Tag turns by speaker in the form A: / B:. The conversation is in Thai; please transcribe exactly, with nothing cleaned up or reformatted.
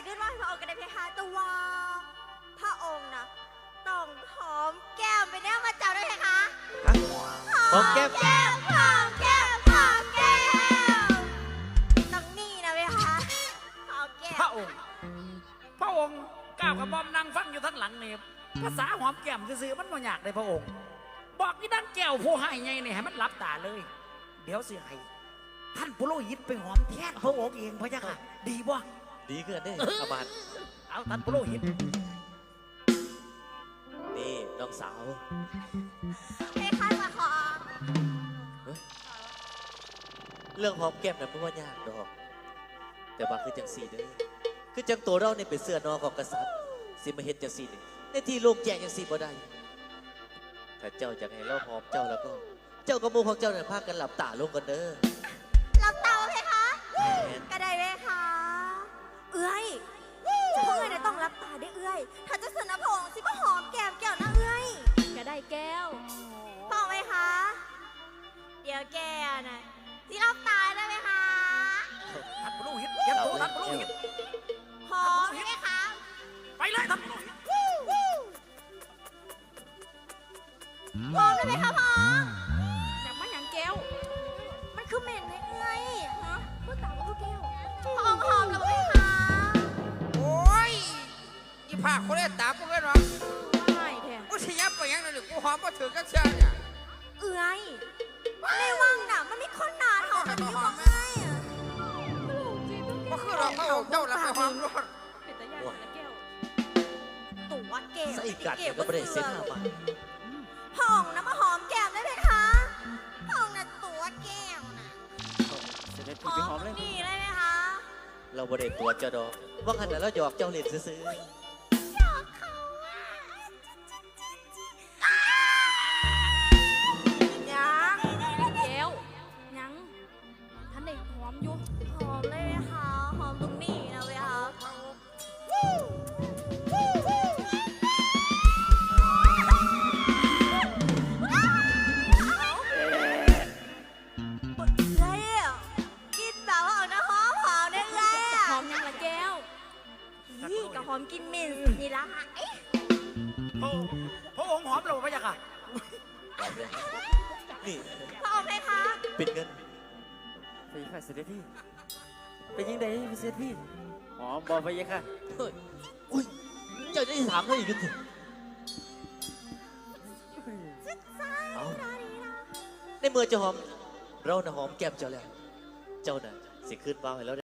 A: ขึ้นว่าพระองค์ก็ได้เพคะแต่ว่าพระองค์นะต้องหอมแก้มไปแน่มาเจ้าด้วยเพคะ
B: หอมแก้ม
A: แก้มหอมแก้มหอมแก้มต้องนี่นะเพคะหอมแก้ม
C: พระองค์พระองค์ก้าวกระบอมนั่งฟังอยู่ทั้งหลังนี่ภาษาหอมแก้มซื่อๆมันบ่ยากเลยพระองค์บอกนี่ดังแก้วผู้ให้ไงเนี่ยให้มันหลับตาเลยเดี๋ยวสิให้ท่านปุโรหิตไปหอมแทนพระองค์เองพระยะค่ะดีบ่
B: ดีเกินได้อามาต
C: เอาท่านปุโรหิต
B: นี่น้องสาว
A: เพคะมาขอ
B: เรื่องหอมแก้มนั้นไม่ว่ายากดอกแต่ว่าคือจังสีเด้อคือจังตัวเราเนี่ยเป็นเสื้อนอของกษัตริย์สิมาเฮ็ดจังสีนี่ในที่โล่งแจ้งจังสีบ่ได้ถ้าเจ้าอยากให้เราหอมเจ้าแล้วก็เจ้ากับหมู่ของเจ้าเนี่ยพากันหลับตาลงกันเด้อ
A: หลับตาเพคะก็ได้เพคะเอ้ยจะพวกเอ้ยต้องรับตาได้เอ้ยถ้าจะสนพงสิก็หอมแก้มแก้วนะเอ้ย
D: ก็ได้แก้ว
A: พอไหมคะเดี๋ยวแกน่ะที่รับตาได้ไหมคะ
C: ท่านปุโรหิตเก็บตัวท่านปุโรหิต
A: หอมไหมคะ
C: ไปเลยท่านปุโรหิต
A: หอมได้ไหมคะพ่อ
D: อยากมาอย่างแก้ว
A: มันคือเหม็นไหมเอ้ยฮะ
D: เมื่อตาว่าแก้ว
A: หอมหอมแล้วไหมคะ
E: โอ้ยอีผ้าเขาเล่นตาพวกนั้นหรอ
D: ไม่แท้
E: กูชี้ยับไปยังนั่นเลยกูหอมมาถือกันเชียเนี่ย
A: เอ้ยในวังน่ะมันมีคนหนาหอมแบบนี้อยู่ไหม
E: ก็คือเราเขาเจ้าแล้วไปหอมรถ
D: เป็นตาญาติแก้ว
A: ตัวเก๋
B: ใส่กัดก็ไม่ได้เส้นห้าบาท
A: ห้องนะมาหอมแก้มได้ไหมคะห้องน่ะตัวแก้วน่ะหอมนี่เลยไหมคะ
B: เราบ่ได้ตัวเจ้าดอกว่าขนาดเราหยอกเจ้าเล่นซื้อ
A: หยอกเขาอะ
D: ยังแก้วยังท่านได้หอมอยู่
A: หอมเลยไหมคะหอมตรงนี้นะเว้ยคะหอมกินมินนี่ละค่ะ
C: พระพระองค์หอมเราพระยะค่ะ
B: นี่
A: พระองค์ไหมคะ
B: เป็นเงิน
F: ไปค่ะเสด็จพี่เป็นยังไงเสด็จพี่หอมบอกไปยังค่ะ
B: เฮ้ยอุ้ยเจ้าจะถามเขาอีกทีเอาในเมื่อจะหอมเราน่ะหอมแก้มเจ้าแล้วเจ้าน่ะสิขึ้นบ้าให้แล้ว